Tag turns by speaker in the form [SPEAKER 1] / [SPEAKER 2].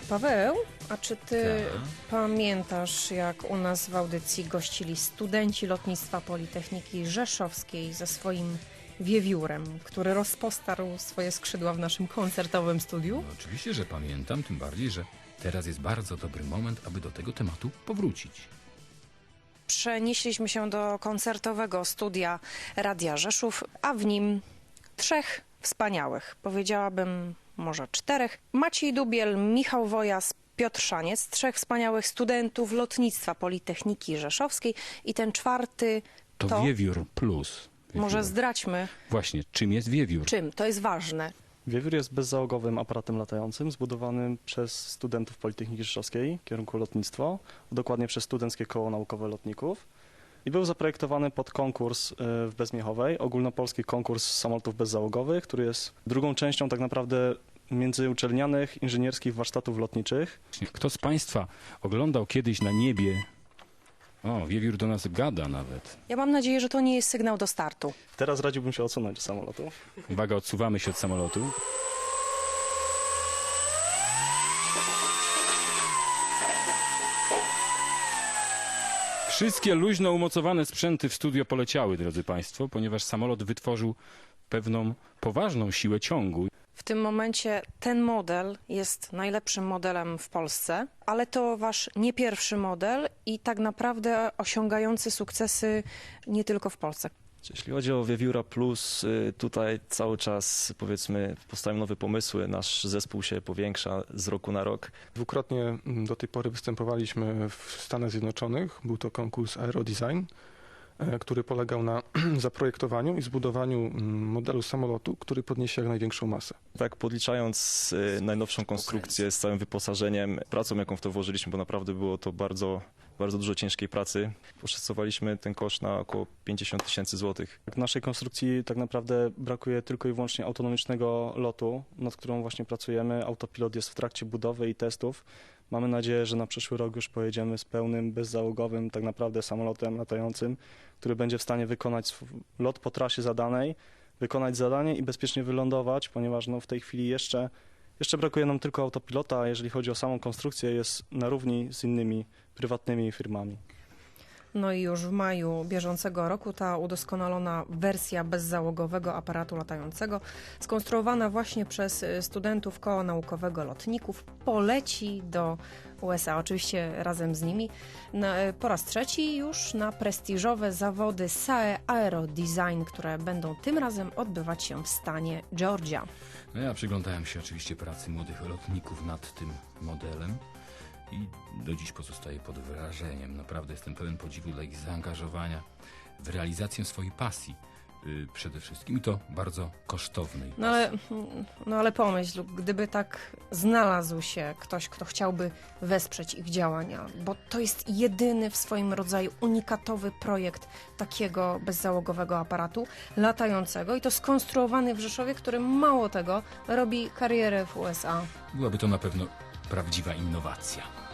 [SPEAKER 1] Paweł, a czy ty
[SPEAKER 2] Tak.
[SPEAKER 1] pamiętasz, jak u nas w audycji gościli studenci lotnictwa Politechniki Rzeszowskiej ze swoim wiewiórem, który rozpostarł swoje skrzydła w naszym koncertowym studiu?
[SPEAKER 2] No, oczywiście, że pamiętam, tym bardziej, że teraz jest bardzo dobry moment, aby do tego tematu powrócić.
[SPEAKER 1] Przenieśliśmy się do koncertowego studia Radia Rzeszów, a w nim 3 wspaniałych, powiedziałabym może 4. Maciej Dubiel, Michał Wojas, Piotr Szaniec, 3 wspaniałych studentów lotnictwa Politechniki Rzeszowskiej i ten 4
[SPEAKER 2] To Wiewiór Plus.
[SPEAKER 1] może zdradźmy,
[SPEAKER 2] Właśnie, czym jest wiewiór?
[SPEAKER 1] czym, to jest ważne.
[SPEAKER 3] Wiewiór jest bezzałogowym aparatem latającym zbudowanym przez studentów Politechniki Rzeszowskiej, kierunku lotnictwo, dokładnie przez Studenckie Koło Naukowe Lotników. I był zaprojektowany pod konkurs w Bezmiechowej, ogólnopolski konkurs samolotów bezzałogowych, który jest drugą częścią tak naprawdę międzyuczelnianych inżynierskich warsztatów lotniczych.
[SPEAKER 2] Kto z Państwa oglądał kiedyś na niebie? O, wiewiór do nas gada nawet.
[SPEAKER 1] Ja mam nadzieję, że to nie jest sygnał do startu.
[SPEAKER 3] Teraz radziłbym się odsunąć od samolotu.
[SPEAKER 2] Uwaga, odsuwamy się od samolotu. Wszystkie luźno umocowane sprzęty w studio poleciały, drodzy Państwo, ponieważ samolot wytworzył pewną poważną siłę ciągu.
[SPEAKER 1] W tym momencie ten model jest najlepszym modelem w Polsce, ale to wasz nie pierwszy model i tak naprawdę osiągający sukcesy nie tylko w Polsce.
[SPEAKER 4] Jeśli chodzi o Wiewióra Plus, tutaj cały czas, powiedzmy, powstają nowe pomysły. Nasz zespół się powiększa z roku na rok.
[SPEAKER 5] Dwukrotnie do tej pory występowaliśmy w Stanach Zjednoczonych. Był to konkurs Aerodesign, który polegał na zaprojektowaniu i zbudowaniu modelu samolotu, który podniesie jak największą masę.
[SPEAKER 4] Tak, podliczając najnowszą konstrukcję z całym wyposażeniem, pracą, jaką w to włożyliśmy, bo naprawdę było to bardzo dużo ciężkiej pracy. Poszacowaliśmy ten koszt na około 50 000 złotych.
[SPEAKER 3] W naszej konstrukcji tak naprawdę brakuje tylko i wyłącznie autonomicznego lotu, nad którą właśnie pracujemy. Autopilot jest w trakcie budowy i testów. Mamy nadzieję, że na przyszły rok już pojedziemy z pełnym, bezzałogowym tak naprawdę samolotem latającym, który będzie w stanie wykonać lot po trasie zadanej, wykonać zadanie i bezpiecznie wylądować, ponieważ w tej chwili jeszcze brakuje nam tylko autopilota, a jeżeli chodzi o samą konstrukcję, jest na równi z innymi prywatnymi firmami.
[SPEAKER 1] No i już w maju bieżącego roku ta udoskonalona wersja bezzałogowego aparatu latającego, skonstruowana właśnie przez studentów Koła Naukowego Lotników, poleci do USA, oczywiście razem z nimi, po raz 3 już na prestiżowe zawody SAE Aerodesign, które będą tym razem odbywać się w stanie Georgia.
[SPEAKER 2] No ja przyglądałem się oczywiście pracy młodych lotników nad tym modelem i do dziś pozostaję pod wrażeniem. Naprawdę jestem pełen podziwu dla ich zaangażowania w realizację swojej pasji przede wszystkim i to bardzo kosztownej pasji.
[SPEAKER 1] No ale pomyśl, gdyby tak znalazł się ktoś, kto chciałby wesprzeć ich działania, bo to jest jedyny w swoim rodzaju unikatowy projekt takiego bezzałogowego aparatu latającego i to skonstruowany w Rzeszowie, który mało tego robi karierę w USA.
[SPEAKER 2] Byłaby to na pewno prawdziwa innowacja.